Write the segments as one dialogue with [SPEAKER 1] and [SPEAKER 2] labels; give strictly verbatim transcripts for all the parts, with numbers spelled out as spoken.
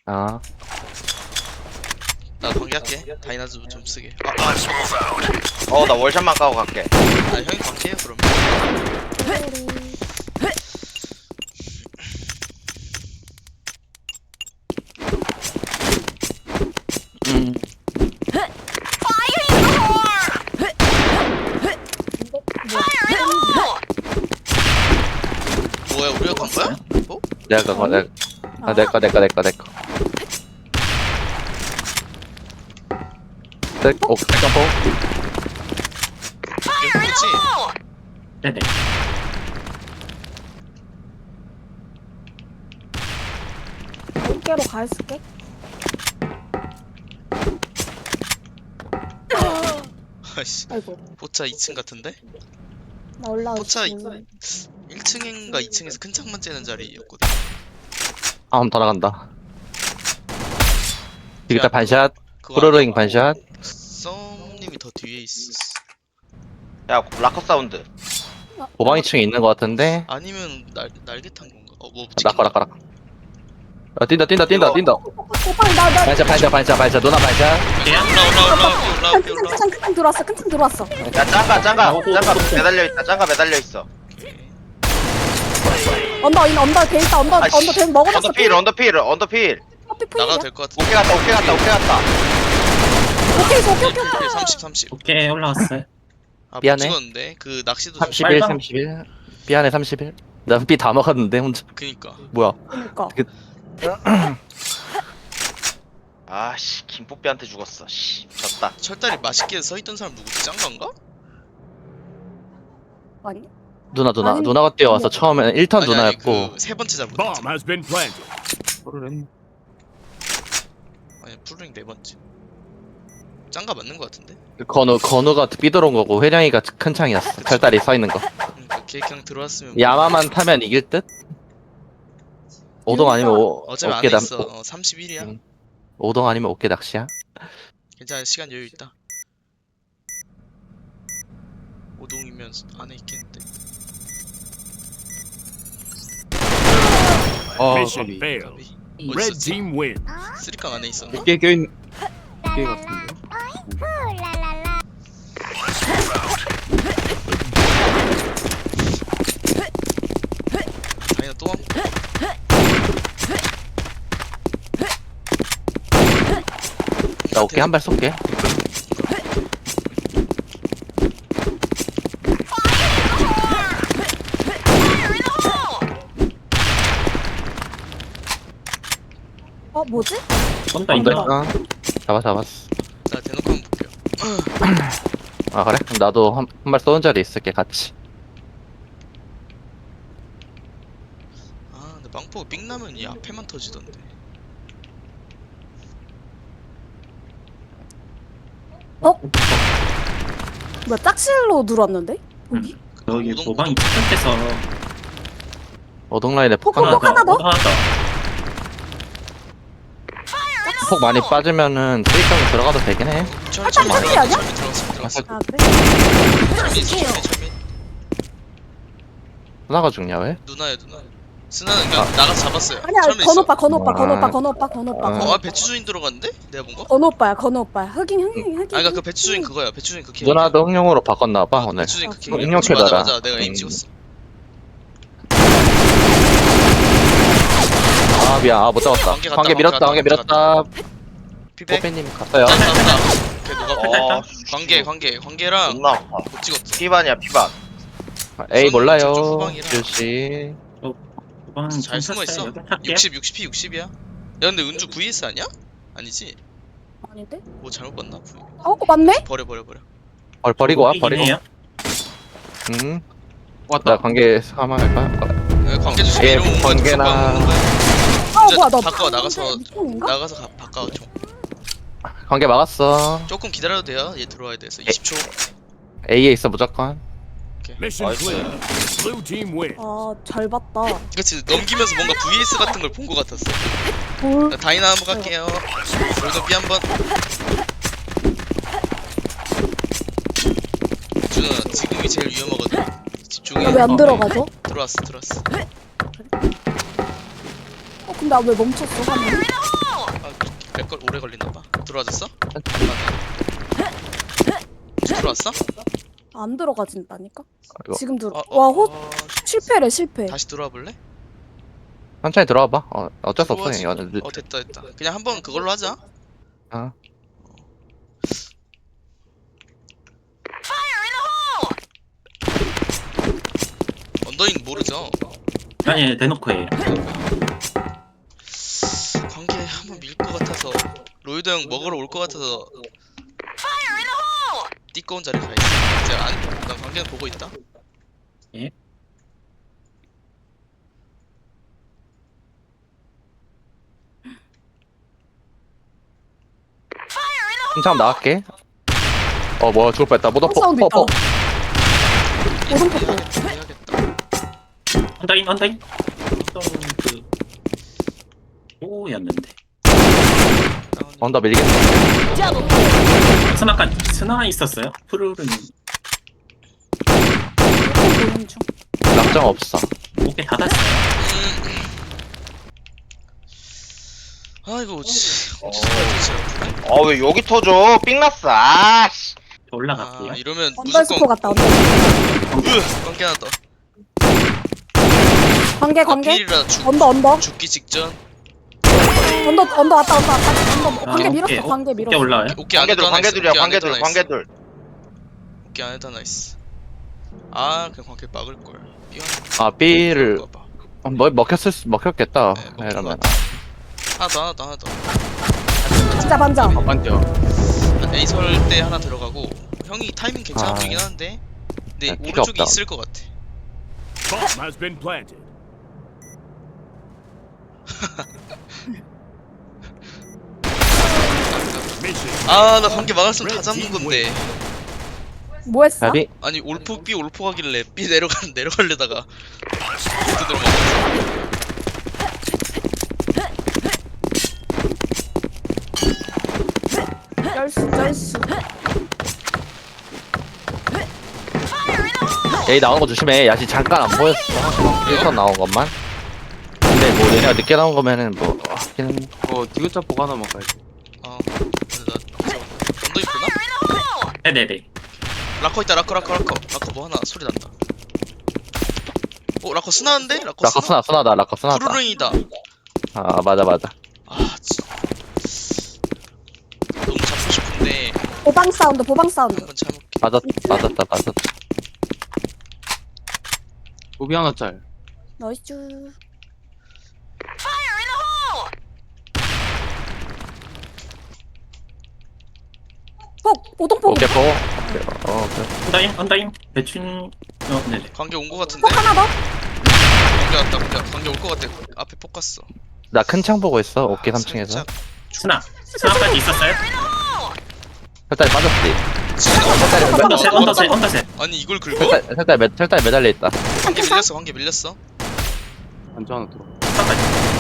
[SPEAKER 1] 아,
[SPEAKER 2] 나 관계할게. 다이나즈 좀 쓰게. 아, 아, 씨.
[SPEAKER 3] 어 나 월샷만 까고 갈게.
[SPEAKER 2] 아 형이 관계해요 그럼.
[SPEAKER 1] 음,
[SPEAKER 2] 뭐야 우리가 간 거야? 뭐?
[SPEAKER 1] 내가 그거 내가 아 내거 내거 내거 내거. 내 오, 잠깐
[SPEAKER 2] 이게 뭐지?
[SPEAKER 4] 네네.
[SPEAKER 5] 어깨로 가 있을게.
[SPEAKER 2] 아이씨.
[SPEAKER 5] 아이고,
[SPEAKER 2] 포차 이 층 같은데?
[SPEAKER 5] 나 올라오지.
[SPEAKER 2] 포차 일 층인가 이 층에서 큰 창만 째는 자리였거든.
[SPEAKER 1] 아, 한번 더 나간다. 디지털
[SPEAKER 2] 야,
[SPEAKER 1] 반샷,
[SPEAKER 2] 그거
[SPEAKER 1] 프로로잉 반샷.
[SPEAKER 2] 썸님이 더 뒤에 있었어.
[SPEAKER 3] 야 라커 사운드.
[SPEAKER 1] 도방 이 층에 있는 것 같은데.
[SPEAKER 2] 아니면 날 날개 탄 건가? 어뭐
[SPEAKER 1] 라커 라커 라커. 아, 뛴다 뛴다 뛴다
[SPEAKER 3] 이거-
[SPEAKER 1] 뛴다.
[SPEAKER 5] 오빠, 나, 나.
[SPEAKER 1] 반샷 반샷 반샷 반샷 누나 반샷.
[SPEAKER 2] 올라 올라 올라 올라 올라
[SPEAKER 5] 큰
[SPEAKER 2] 올라.
[SPEAKER 5] 층, 큰 층 들어왔어, 큰 층 들어왔어.
[SPEAKER 3] 야 짱가 짱가
[SPEAKER 4] 어, 또,
[SPEAKER 3] 짱가
[SPEAKER 4] 또, 또.
[SPEAKER 3] 매달려 있다. 짱가 매달려 있어.
[SPEAKER 5] 언더, 인 언더, 돼 있다, 언더,
[SPEAKER 3] 아이씨.
[SPEAKER 5] 언더, 돼 먹어놨어.
[SPEAKER 3] 언더필 언더필 언더필.
[SPEAKER 2] 나가도 될 것 같은데.
[SPEAKER 3] 오케이 갔다 오케이 갔다 오케이 갔다.
[SPEAKER 5] 오케이, 오케이, 오케이, 오케이.
[SPEAKER 2] 삼십 삼십.
[SPEAKER 4] 오케이 올라왔어요.
[SPEAKER 2] 아, 못
[SPEAKER 1] 미안해.
[SPEAKER 2] 찍었는데 그 낚시도 좀.
[SPEAKER 1] 삼십일
[SPEAKER 4] 빨강.
[SPEAKER 1] 삼십일. 삐안에 삼십일. 나 삐 다 먹었는데 혼자.
[SPEAKER 2] 그니까.
[SPEAKER 1] 뭐야?
[SPEAKER 5] 그니까.
[SPEAKER 3] 아씨 김뽀삐한테 죽었어. 씨 졌다.
[SPEAKER 2] 철다리 맛있게 서있던 사람 누구지? 짱가인가?
[SPEAKER 5] 아니?
[SPEAKER 1] 누나 누나
[SPEAKER 5] 아니,
[SPEAKER 1] 누나가 뛰어와서
[SPEAKER 5] 아니야.
[SPEAKER 1] 처음에는 일 턴
[SPEAKER 2] 아니, 아니,
[SPEAKER 1] 누나였고.
[SPEAKER 2] 그세 번째 잡은
[SPEAKER 6] Bomb
[SPEAKER 2] 거.
[SPEAKER 6] has been planted.
[SPEAKER 2] 아니 프로링 네 번째. 짱가 맞는 거 같은데?
[SPEAKER 1] 건우 건우가 삐들어온 거고 회량이가 큰 창이었어. 철다리 서 있는 거.
[SPEAKER 2] 그러니까 걔 그냥 들어왔으면.
[SPEAKER 1] 야마만 타면 이길 듯? 오동 아니면 오,
[SPEAKER 2] 어차피
[SPEAKER 1] 어깨
[SPEAKER 2] 안에
[SPEAKER 1] 남
[SPEAKER 2] 있어. 어, 삼십일이야.
[SPEAKER 1] 응. 오동 아니면 어깨 낚시야?
[SPEAKER 2] 괜찮아 시간 여유 있다. 오동이면 안에 있겠는데.
[SPEAKER 1] 어,
[SPEAKER 6] Mission
[SPEAKER 1] 거기.
[SPEAKER 6] failed.
[SPEAKER 2] 어디
[SPEAKER 6] Red
[SPEAKER 2] 있었지?
[SPEAKER 6] team win.
[SPEAKER 2] 쓰리깡 안에 있었나?
[SPEAKER 1] 어깨 껴있는 어깨 같은데.
[SPEAKER 2] 다이나 또 한.
[SPEAKER 1] 나 어깨 한 발 쏠게.
[SPEAKER 5] 어, 뭐지?
[SPEAKER 4] 쏜다
[SPEAKER 1] 안 돼?
[SPEAKER 4] 이거.
[SPEAKER 1] 어. 잡아 잡았어.
[SPEAKER 2] 나 대놓고 한번 볼게요.
[SPEAKER 1] 아 그래? 그럼 나도 한 한 발 쏘는 자리 있을게 같이.
[SPEAKER 2] 아 근데 망포가 삥 나면 이 앞에만 터지던데.
[SPEAKER 5] 뭐야, 짝실로 들어왔는데? 여기?
[SPEAKER 4] 여기
[SPEAKER 2] 오동,
[SPEAKER 4] 도방이
[SPEAKER 2] 오동.
[SPEAKER 4] 착각해서
[SPEAKER 1] 오동 라인에 폭
[SPEAKER 5] 폭,
[SPEAKER 1] 하나
[SPEAKER 5] 폭 하나 더?
[SPEAKER 4] 하나 더.
[SPEAKER 1] 폭 많이 빠지면은 쓰리깡 들어가도 되긴 해.
[SPEAKER 2] 철
[SPEAKER 5] 철민
[SPEAKER 2] 철민
[SPEAKER 5] 아니야?
[SPEAKER 2] 철민 들어갔어 들어갔어.
[SPEAKER 5] 아, 그래?
[SPEAKER 2] 철민 철민 철민.
[SPEAKER 1] 누나가 죽냐 왜?
[SPEAKER 2] 누나야 누나. 스나는 그냥 나가서 잡았어요.
[SPEAKER 5] 아니야,
[SPEAKER 2] 철민
[SPEAKER 5] 건우
[SPEAKER 2] 있어.
[SPEAKER 5] 오빠, 건우 오빠, 건우 오빠,
[SPEAKER 1] 아.
[SPEAKER 5] 건우 오빠, 건우 오빠.
[SPEAKER 1] 아.
[SPEAKER 2] 어, 아 배추주인 들어갔는데? 내가 본 거?
[SPEAKER 5] 건우 오빠야, 건우 오빠야. 흑인, 흑인, 흑인.
[SPEAKER 2] 아 그니까 그 배추주인 그거야. 배추주인 그 개.
[SPEAKER 1] 누나도 흥룡으로 바꿨나봐
[SPEAKER 2] 어,
[SPEAKER 1] 오늘.
[SPEAKER 2] 배추주인 그 개.
[SPEAKER 5] 어,
[SPEAKER 1] 응용
[SPEAKER 2] 맞아
[SPEAKER 1] 캐더라.
[SPEAKER 2] 맞아. 내가 에임
[SPEAKER 1] 음.
[SPEAKER 2] 찍었어.
[SPEAKER 1] 아 미안, 아 못 잡았다.
[SPEAKER 2] 관계 갔다,
[SPEAKER 1] 관계 밀었다,
[SPEAKER 2] 관계
[SPEAKER 1] 관계
[SPEAKER 2] 갔다,
[SPEAKER 1] 밀었다.
[SPEAKER 2] 피백.
[SPEAKER 1] 뽀빼님 갔어요.
[SPEAKER 2] 짠 짠다. 걔 누가
[SPEAKER 3] 어
[SPEAKER 2] 관계 관계 관계랑
[SPEAKER 3] 존나 아파.
[SPEAKER 2] 못 찍었어.
[SPEAKER 3] 피반이야 피반.
[SPEAKER 1] 에이
[SPEAKER 2] 저쪽
[SPEAKER 1] 몰라요.
[SPEAKER 2] 후방이라.
[SPEAKER 1] 주씨.
[SPEAKER 4] 도방
[SPEAKER 2] 잘 숨어 있어.
[SPEAKER 4] 여기 탈게요.
[SPEAKER 2] 육십 육십 피 육십이야. 야 근데 은주 브이에스 아니야? 아니지?
[SPEAKER 5] 아닌데?
[SPEAKER 2] 뭐 잘못 봤나? V.
[SPEAKER 5] 어, 맞네?
[SPEAKER 2] 버려 버려 버려.
[SPEAKER 1] 벌 버리고 와,
[SPEAKER 4] 여기긴
[SPEAKER 1] 버리고.
[SPEAKER 4] 해요.
[SPEAKER 1] 응. 나 관계 사망할까?
[SPEAKER 2] 야, 관계 주식
[SPEAKER 1] 예,
[SPEAKER 2] 이런 거
[SPEAKER 1] 관계나-
[SPEAKER 5] 아,
[SPEAKER 2] 이제
[SPEAKER 5] 뭐야, 너.
[SPEAKER 2] 바꿔, 나가서-
[SPEAKER 5] 미친인가?
[SPEAKER 2] 나가서 가, 바꿔 좀.
[SPEAKER 1] 관계 막았어.
[SPEAKER 2] 조금 기다려도 돼요. 얘 들어와야 돼서 이십 초.
[SPEAKER 1] A에 있어 무조건.
[SPEAKER 6] Mission
[SPEAKER 3] Nice.
[SPEAKER 6] clear. Blue team win.
[SPEAKER 5] 아, 잘 봤다.
[SPEAKER 2] 그치 넘기면서 뭔가 브이에스 같은 걸 본 거 같았어.
[SPEAKER 5] 볼.
[SPEAKER 2] 나 다이나 한번 갈게요. 여기도 B 한번. 준아 지금이 제일 위험하거든. 집중해.
[SPEAKER 5] 왜 안 들어가죠?
[SPEAKER 2] 들어왔어 들어왔어.
[SPEAKER 5] 어, 근데 아, 왜 멈췄어, 화면이?
[SPEAKER 2] 몇걸 오래 걸리나봐. 들어와졌어? 들어왔어?
[SPEAKER 5] 안 들어가진다니까?
[SPEAKER 1] 이거
[SPEAKER 5] 지금 들어.
[SPEAKER 2] 어, 어,
[SPEAKER 5] 와, 호,
[SPEAKER 2] 어,
[SPEAKER 5] 실패래, 실패.
[SPEAKER 2] 다시 들어와 볼래?
[SPEAKER 1] 천천히 들어와봐. 어, 어쩔 수 없어.
[SPEAKER 2] 들어와지.
[SPEAKER 1] 이거.
[SPEAKER 2] 어 됐다 됐다. 그냥 한번 그걸로 하자.
[SPEAKER 1] 어.
[SPEAKER 2] 언더인 모르죠?
[SPEAKER 4] 아니 대놓고 해요.
[SPEAKER 2] 관계 한번 밀 것 같아서 로이드 형 먹으러 올 것 같아서 띠꺼운 자리 가 있어. 이제 안, 난 관계는 보고 있다.
[SPEAKER 4] 예?
[SPEAKER 1] 한참 나갈게. 어, 뭐야, 죽을 뻔했다. 모더 포,
[SPEAKER 5] 사운드
[SPEAKER 1] 포,
[SPEAKER 5] 있다.
[SPEAKER 1] 포.
[SPEAKER 5] 오른쪽
[SPEAKER 2] 해야겠다 해야겠다.
[SPEAKER 4] 언더인 언더인. 언더인 그 오였는데.
[SPEAKER 2] 다운이.
[SPEAKER 1] 언더 밀리겠다.
[SPEAKER 4] 스나까 스나 있었어요? 푸르른
[SPEAKER 5] 보는 중.
[SPEAKER 1] 낙장 없어.
[SPEAKER 4] 어깨 닫았어요.
[SPEAKER 2] 아 이거 어찌 어찌 살지 진짜.
[SPEAKER 3] 어 왜 여기 터져? 삥 났어. 아씨.
[SPEAKER 4] 저 올라갈게요.
[SPEAKER 2] 아 이러면
[SPEAKER 5] 언더 스포
[SPEAKER 2] 무조건
[SPEAKER 5] 같다, 언더.
[SPEAKER 2] 으 관계 하나 더.
[SPEAKER 5] 관계, 관계.
[SPEAKER 2] 필이라 죽
[SPEAKER 5] 언더, 언더.
[SPEAKER 2] 죽기 직전.
[SPEAKER 5] 언더, 언더 왔다, 언더 왔다. 언더, 관계
[SPEAKER 4] 아,
[SPEAKER 5] 밀었어,
[SPEAKER 4] 오케이.
[SPEAKER 5] 관계
[SPEAKER 4] 어깨
[SPEAKER 5] 밀었어.
[SPEAKER 4] 올라와요?
[SPEAKER 2] 오케이 안에도
[SPEAKER 3] 관계들
[SPEAKER 2] 하나 있어.
[SPEAKER 3] 관계들이야
[SPEAKER 2] 오케이, 안에도
[SPEAKER 3] 관계들
[SPEAKER 2] 하나 있어.
[SPEAKER 3] 관계들.
[SPEAKER 2] 오케이 안에도 하나 있어. 아 그냥 관계 막을 걸. 미안.
[SPEAKER 1] 아, B를, 뭐, 먹혔을 수, 먹혔겠다.
[SPEAKER 2] 네, 먹힌
[SPEAKER 1] 이러면.
[SPEAKER 2] 것 하나 더 하나 더 하나 더.
[SPEAKER 5] 진짜 반장.
[SPEAKER 1] 먼저.
[SPEAKER 2] 한 A 설 때 하나 들어가고 형이 타이밍 괜찮아
[SPEAKER 1] 아.
[SPEAKER 2] 보이긴 하는데 근데
[SPEAKER 1] 야, 피가
[SPEAKER 2] 오른쪽에
[SPEAKER 1] 없다.
[SPEAKER 2] 있을 것 같아.
[SPEAKER 6] Bomb has been planted. Mission.
[SPEAKER 2] 아 나 관계 막았으면 다 잡는 건데.
[SPEAKER 5] 뭐 했어?
[SPEAKER 1] 답이?
[SPEAKER 2] 아니 올포 B 올포 하길래 B 내려가 내려가려다가 또 들어먹었어.
[SPEAKER 5] 쩔수, 쩔수.
[SPEAKER 1] A 나오는 거 조심해. 야시 잠깐 안 보였어. 일 턴 나온 것만. 근데 뭐 얘네가 늦게 나온 거면은 뭐 하긴
[SPEAKER 7] 어 디귿자 보고 하나만 가야지.
[SPEAKER 2] 아 근데 나 언더 있구나?
[SPEAKER 4] 네네네.
[SPEAKER 2] 라커 있다 라커 라커 라커 라커 뭐 하나 소리 난다. 어 라커 스나인데? 라커
[SPEAKER 1] 라커
[SPEAKER 2] 스나?
[SPEAKER 1] 스나 스나다. 라커 스나다.
[SPEAKER 2] 푸르릉이다.
[SPEAKER 1] 아, 맞아 맞아.
[SPEAKER 2] 아 진짜 너무 잡고 싶은데
[SPEAKER 5] 보방 사운드, 보방 사운드.
[SPEAKER 2] 한번 참을게.
[SPEAKER 1] 맞았 맞았다 맞았다.
[SPEAKER 7] 오비 하나 짤.
[SPEAKER 5] 나이스. 폭, 오동폭.
[SPEAKER 1] 오케이 포. 오케이. 어, 오케이.
[SPEAKER 4] 언더인 언더인 대충 어 네네.
[SPEAKER 2] 관계 온 거 같은데?
[SPEAKER 5] 폭 하나 더.
[SPEAKER 2] 관계 왔다 관계 관계 올 거 같아. 앞에 폭 갔어.
[SPEAKER 1] 나 큰 창 보고 있어. 오케이 삼 층에서.
[SPEAKER 2] 살짝
[SPEAKER 4] 스나 스나까지 있었어요?
[SPEAKER 1] 살짝 빠졌지.
[SPEAKER 2] 지금
[SPEAKER 4] 언더셋 언더셋 언더셋.
[SPEAKER 2] 아니 이걸 긁어?
[SPEAKER 1] 살짝 살짝 매 살짝 매달려 있다.
[SPEAKER 2] 관계 밀렸어 관계 밀렸어.
[SPEAKER 7] 반주 하나 들어.
[SPEAKER 4] 스나까지.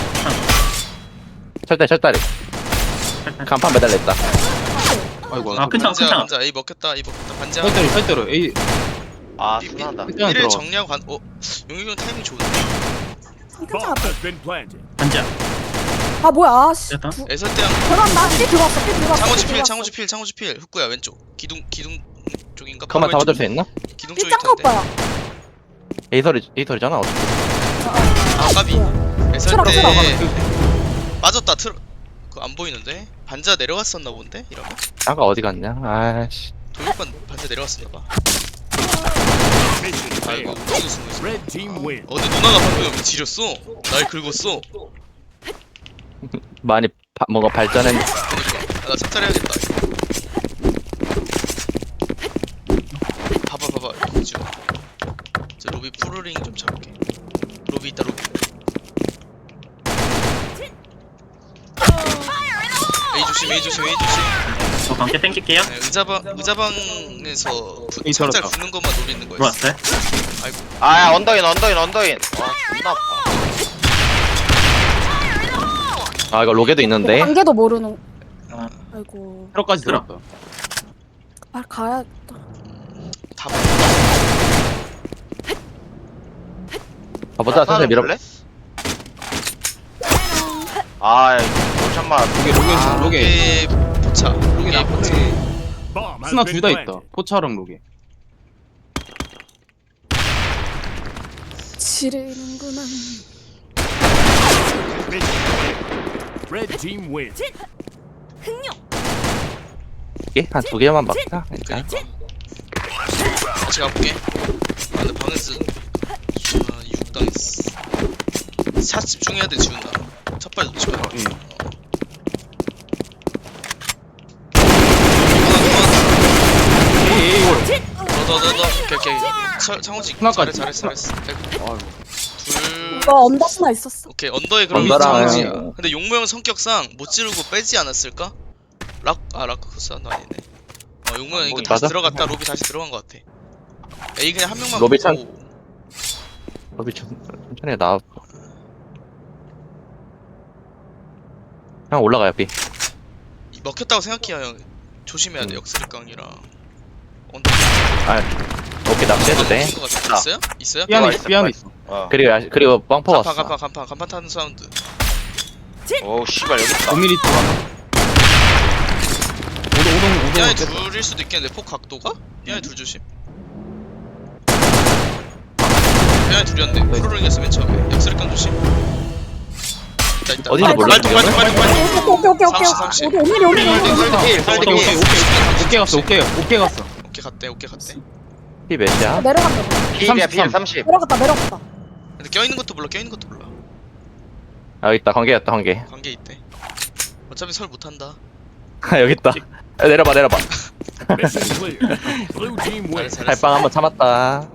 [SPEAKER 1] 철다리 철다리. 간판 매달려 있다.
[SPEAKER 7] 아이고.
[SPEAKER 4] 아, 큰창,
[SPEAKER 2] 반지야
[SPEAKER 4] 큰창.
[SPEAKER 2] 반지야 A 먹혔다 A 먹혔다 반지야.
[SPEAKER 7] 살대로 살대로. 에이
[SPEAKER 3] 아
[SPEAKER 2] 삐- 삐-
[SPEAKER 3] 순하다.
[SPEAKER 7] 일단
[SPEAKER 2] B를
[SPEAKER 7] 들어.
[SPEAKER 2] 정리하고 간. 어 용익이 형 타이밍 좋은데.
[SPEAKER 5] 괜찮아.
[SPEAKER 6] Bomb has been planted.
[SPEAKER 4] 반지야.
[SPEAKER 5] 아, 뭐야, 씨.
[SPEAKER 4] 됐다.
[SPEAKER 5] 두-
[SPEAKER 2] 애설 때랑
[SPEAKER 5] 들어간다. 삐 들어왔어, 삐 들어왔어.
[SPEAKER 2] 창호지
[SPEAKER 5] 삐
[SPEAKER 2] 필
[SPEAKER 5] 들어왔어.
[SPEAKER 2] 창호지 필 창호지 필 흑구야 왼쪽 기둥 기둥 쪽인가?
[SPEAKER 1] 그만
[SPEAKER 2] 바로
[SPEAKER 1] 잡아줄 수
[SPEAKER 2] 왼쪽.
[SPEAKER 1] 있나?
[SPEAKER 2] 기둥
[SPEAKER 5] 삐
[SPEAKER 2] 쪽일
[SPEAKER 5] 짱가
[SPEAKER 2] 텐데.
[SPEAKER 5] 오빠야.
[SPEAKER 1] 에이설이 에이설이잖아. 어차피.
[SPEAKER 2] 아 까비. 애설
[SPEAKER 5] 틀어,
[SPEAKER 2] 때
[SPEAKER 5] 틀어.
[SPEAKER 2] 빠졌다 틀어. 그안 보이는데 반자 내려갔었나 본데 이러면
[SPEAKER 1] 아까 어디 갔냐? 아씨.
[SPEAKER 2] 도입반 반자 내려갔었나 봐.
[SPEAKER 6] Mission
[SPEAKER 2] 아이고
[SPEAKER 6] failed.
[SPEAKER 2] 우리도 숨고 있어.
[SPEAKER 6] Red team win.
[SPEAKER 2] 어 근데 누나가 방금 여기 지렸어. 날 긁었어.
[SPEAKER 1] 많이 바, 뭔가 발전했.
[SPEAKER 2] 그니까 아, 나 찹쌀해야겠다. 봐봐 봐봐 이거 지금. 저 로비 푸르링 좀 잡을게. 로비 있다 로비. A 조심 A 조심 A 조심.
[SPEAKER 4] 저 관계 땡길게요.
[SPEAKER 2] 네, 의자방 의자방에서 부,
[SPEAKER 7] 에이,
[SPEAKER 2] 살짝
[SPEAKER 7] 들어왔다.
[SPEAKER 2] 붙는 것만 노리는 거였어.
[SPEAKER 4] 들어왔어요?
[SPEAKER 3] 아 언더인 언더인 언더인. 와 존나 아파.
[SPEAKER 1] 아 이거 로게도 있는데.
[SPEAKER 5] 관계도 모르는.
[SPEAKER 4] 아.
[SPEAKER 5] 아이고.
[SPEAKER 7] 테러까지
[SPEAKER 4] 들어.
[SPEAKER 7] 들었다.
[SPEAKER 5] 아, 가야겠다.
[SPEAKER 2] 다 봐.
[SPEAKER 1] 가보자. 천천히 밀어.
[SPEAKER 3] 볼래? 아 이거 샷마.
[SPEAKER 7] 로게 로게
[SPEAKER 2] 아,
[SPEAKER 7] 로게
[SPEAKER 2] 로게 포차.
[SPEAKER 7] 로게
[SPEAKER 2] 로게 포차.
[SPEAKER 7] 나쁘네.
[SPEAKER 6] Bomb has
[SPEAKER 7] 스나
[SPEAKER 6] been
[SPEAKER 7] 둘 다
[SPEAKER 6] planted.
[SPEAKER 7] 있다. 포차랑 로게.
[SPEAKER 5] 지르는구나.
[SPEAKER 6] Red team win.
[SPEAKER 1] 한 두 개만 막자 일단.
[SPEAKER 2] 그니까. 같이 가볼게. 아, 근데 방에서 아, 육 당했어. 샷 집중해야 돼, 지훈아. 첫 발 놓지 마.
[SPEAKER 7] 응. 에이 에이 올.
[SPEAKER 2] 너너너너 오케이 오케이. 차- 창호지
[SPEAKER 7] 하나까지.
[SPEAKER 2] 잘했어 잘했어 잘했어.
[SPEAKER 7] 아이고.
[SPEAKER 2] 둘.
[SPEAKER 5] 이거 언더스나 있었어.
[SPEAKER 2] 오케이 언더에 그럼
[SPEAKER 1] 언더랑-
[SPEAKER 2] 창호지야. 근데 용모 형 성격상 못 지르고 빼지 않았을까? 락아 라크 코스 한도 아니네. 어 용모 형 이거
[SPEAKER 3] 뭐,
[SPEAKER 2] 다시
[SPEAKER 1] 맞아?
[SPEAKER 2] 들어갔다 로비 다시 들어간 것 같아. 에이 그냥 한 명만
[SPEAKER 1] 로비
[SPEAKER 2] 보고.
[SPEAKER 1] 로비 천- 천천히 나와. 형 올라가요 B.
[SPEAKER 2] 이- 먹혔다고 생각해요 형. 조심해야 돼
[SPEAKER 1] 음.
[SPEAKER 2] 역스리깡이랑. 언더.
[SPEAKER 1] 오케이 낚시해도 돼.
[SPEAKER 2] 먹힌 것 같아. 있어요? 있어요?
[SPEAKER 7] 삐 안에
[SPEAKER 1] 있어,
[SPEAKER 7] 있어. 삐 안에 있어.
[SPEAKER 3] 어.
[SPEAKER 1] 그리고 야시- 그리고 빵퍼
[SPEAKER 2] 간판
[SPEAKER 1] 왔어.
[SPEAKER 2] 간판 간판 간판 타는 사운드.
[SPEAKER 3] 오 씨발 여기 있다.
[SPEAKER 7] 오 밀리미터. 오동 오동
[SPEAKER 2] 이 안에
[SPEAKER 7] 오동.
[SPEAKER 2] 둘일 수도 있겠는데 폭 각도가? 이 안에 둘 조심. 이 안에 둘이었네. 프로링에서 맨 처음에. 역스리깡 조심. 있다 있다.
[SPEAKER 1] 어딘지 몰라,
[SPEAKER 2] 빨리 빨리 빨리 빨리.
[SPEAKER 5] 오케이 오케이 오케이
[SPEAKER 2] 삼십, 삼십.
[SPEAKER 5] 오케이. 오케이 오케이 오케이.
[SPEAKER 3] 설득이 설득이.
[SPEAKER 7] 오케이 오케이 오케이 갔어. 오케이 오케이 갔어.
[SPEAKER 2] 오케이 갔대 오케이 갔대.
[SPEAKER 1] B 몇이야?
[SPEAKER 5] 내려간다.
[SPEAKER 3] 필이야 필
[SPEAKER 7] 삼십삼.
[SPEAKER 3] 삼십.
[SPEAKER 5] 내려갔다 내려갔다.
[SPEAKER 2] 근데 껴있는 것도 몰라 껴있는 것도 몰라.
[SPEAKER 1] 아 여기 있다. 관계였다 관계.
[SPEAKER 2] 관계 있대. 어차피 설 못한다.
[SPEAKER 1] 아 여기 있다. 야, 내려봐 내려봐.
[SPEAKER 6] Mission clear. Blue team win.
[SPEAKER 2] 잘했어 잘했어.
[SPEAKER 1] 달빵 한번 참았다.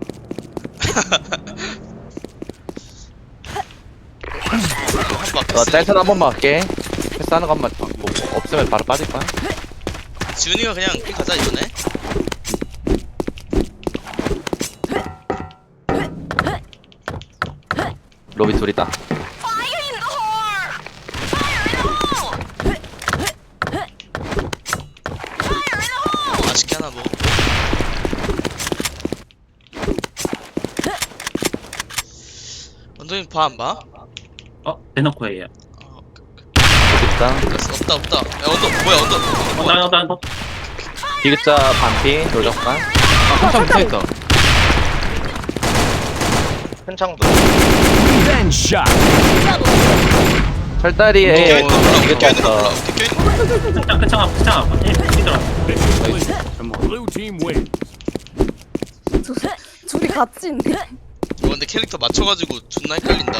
[SPEAKER 2] 한번
[SPEAKER 1] 어, 짤턴 한 번만 할게. 패스하는 것만 뭐, 없으면 바로 빠질 거야.
[SPEAKER 2] 지훈이가 그냥 삐 가자 이번에.
[SPEAKER 1] 로비 둘이다.
[SPEAKER 2] 맛있게 하나 먹어. 원동님 봐안 봐?
[SPEAKER 4] 어 대놓고예요.
[SPEAKER 2] 아 오케이 오케이.
[SPEAKER 1] 로비 있다.
[SPEAKER 2] 됐어 없다 없다. 야 언더 뭐야 언더. 언더 뭐야?
[SPEAKER 4] 나나 나.
[SPEAKER 1] 디귿자 반피 돌격반.
[SPEAKER 7] 아 포차 붙어 있다.
[SPEAKER 3] 큰 창도.
[SPEAKER 6] Revenge shot.
[SPEAKER 1] 철다리에
[SPEAKER 2] 껴있는 거 몰라.
[SPEAKER 1] 디귿자
[SPEAKER 2] 껴있는 거 몰라.
[SPEAKER 1] 있어.
[SPEAKER 2] 오케이 껴있는 거.
[SPEAKER 4] 끝장 끝장 끝장. 예 뛰더라.
[SPEAKER 6] Mission clear.
[SPEAKER 7] 잘 먹어.
[SPEAKER 6] Blue team win.
[SPEAKER 5] 둘- 둘이 같이 있네.
[SPEAKER 2] 이거 근데 캐릭터 맞춰가지고 존나 헷갈린다.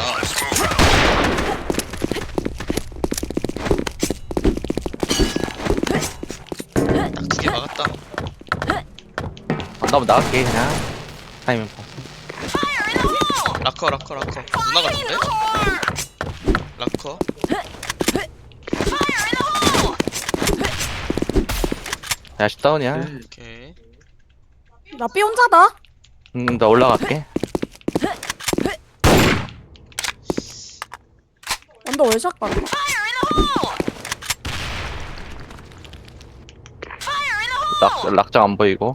[SPEAKER 2] 딱 두 개 막았다.
[SPEAKER 1] 안 나오면 나갈게 그냥. 타이밍 봐.
[SPEAKER 2] 라커 라커 라커. 누나 같은데? 라커.
[SPEAKER 1] 야시 다운이야.
[SPEAKER 2] 오케이.
[SPEAKER 5] 나 B 혼자다.
[SPEAKER 1] 음, 나 올라갈게.
[SPEAKER 5] 언더 월샷 가.
[SPEAKER 1] 락 락장 안 보이고.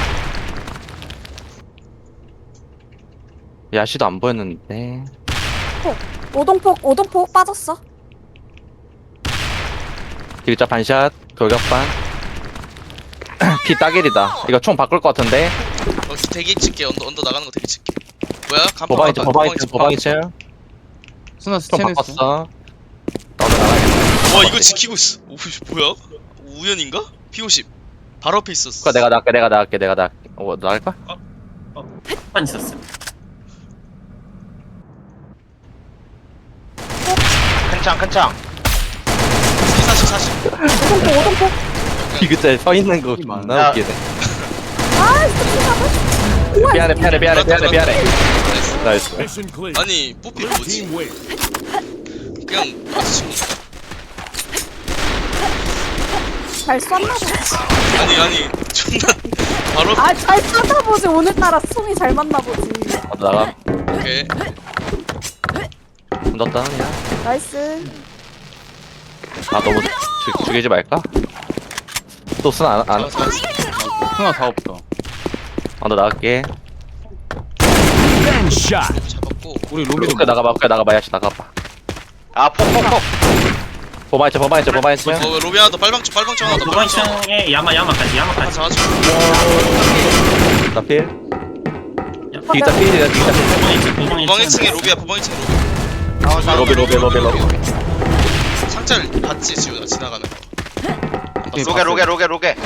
[SPEAKER 1] 야시도 안 보였는데.
[SPEAKER 5] 오동폭 오동폭 빠졌어.
[SPEAKER 1] 디귿자 반샷 돌격반. 피 따길이다. 이거 총 바꿀 것 같은데.
[SPEAKER 2] 어 대기 칠게. 언더 언더 나가는 거 대기 칠게. 뭐야? 간판
[SPEAKER 1] 보방이츠
[SPEAKER 2] 간판,
[SPEAKER 1] 보방이츠 보방이츠.
[SPEAKER 7] 스나
[SPEAKER 1] 총
[SPEAKER 7] 스체냈어.
[SPEAKER 1] 바꿨어. 나도 나가야겠다.
[SPEAKER 2] 와 이거 지키고 있어. 오 뭐야? 우연인가? 피 오십. 바로 앞에 있었어.
[SPEAKER 1] 그거 내가 나갈게 내가 나갈게 내가 나갈게. 어 나갈까?
[SPEAKER 4] 한 있었어.
[SPEAKER 3] 큰 창 큰 창.
[SPEAKER 2] 사십 사십.
[SPEAKER 5] 오동폭 오동폭.
[SPEAKER 1] 디귿자에 서 있는 거
[SPEAKER 3] 야.
[SPEAKER 1] 존나 웃기네.
[SPEAKER 5] 아 진짜.
[SPEAKER 1] 미안해 미안해 미안해 미안해 미안해.
[SPEAKER 2] 나이스.
[SPEAKER 1] 나이스.
[SPEAKER 6] Mission clear.
[SPEAKER 2] 아니 뽀삐
[SPEAKER 6] Blue
[SPEAKER 2] 뭐지?
[SPEAKER 6] team win.
[SPEAKER 2] 그냥 마주친
[SPEAKER 5] 잘 쐈나 보지.
[SPEAKER 2] 아니 아니 존나 바로 앞-
[SPEAKER 5] 아잘 쐈나 보지. 오늘따라 숨이 잘 맞나 보지.
[SPEAKER 1] 나도 나가.
[SPEAKER 2] 오케이.
[SPEAKER 1] 너 다운이야.
[SPEAKER 5] 나이스.
[SPEAKER 1] 아 너무 죽, 죽이지 말까? 또 쓰나 안, 안,
[SPEAKER 2] 자, 자,
[SPEAKER 7] 스나 다 없다.
[SPEAKER 1] 아, 너 나갈게.
[SPEAKER 6] Revenge shot.
[SPEAKER 2] 잡았고
[SPEAKER 7] 우리 로비도
[SPEAKER 1] 로비도 나가봐, 그래 나가봐, 야씨 나가봐.
[SPEAKER 3] 아 폭 폭 폭.
[SPEAKER 1] 보바 있죠 보바 있죠 보바 있죠.
[SPEAKER 2] 어 로비 하나 더 빨방쪽 빨방쪽 하나 더
[SPEAKER 4] 도방
[SPEAKER 2] 빨방쪽 하나
[SPEAKER 4] 층에 야마 야마까지
[SPEAKER 2] 하나
[SPEAKER 4] 야마까지.
[SPEAKER 2] 잡아줘
[SPEAKER 1] 나 필. 뒤다 필이야 뒤다 필.
[SPEAKER 4] 도방 이 층 도방 이
[SPEAKER 2] 보방 일 층에
[SPEAKER 4] 층.
[SPEAKER 2] 로비야 보방 일 층에 로비
[SPEAKER 3] 아, 자,
[SPEAKER 1] 로비 로비 로비 로비.
[SPEAKER 2] 상자를 봤지 지훈아 지나가는 거
[SPEAKER 3] 로게 로게 로게 로게.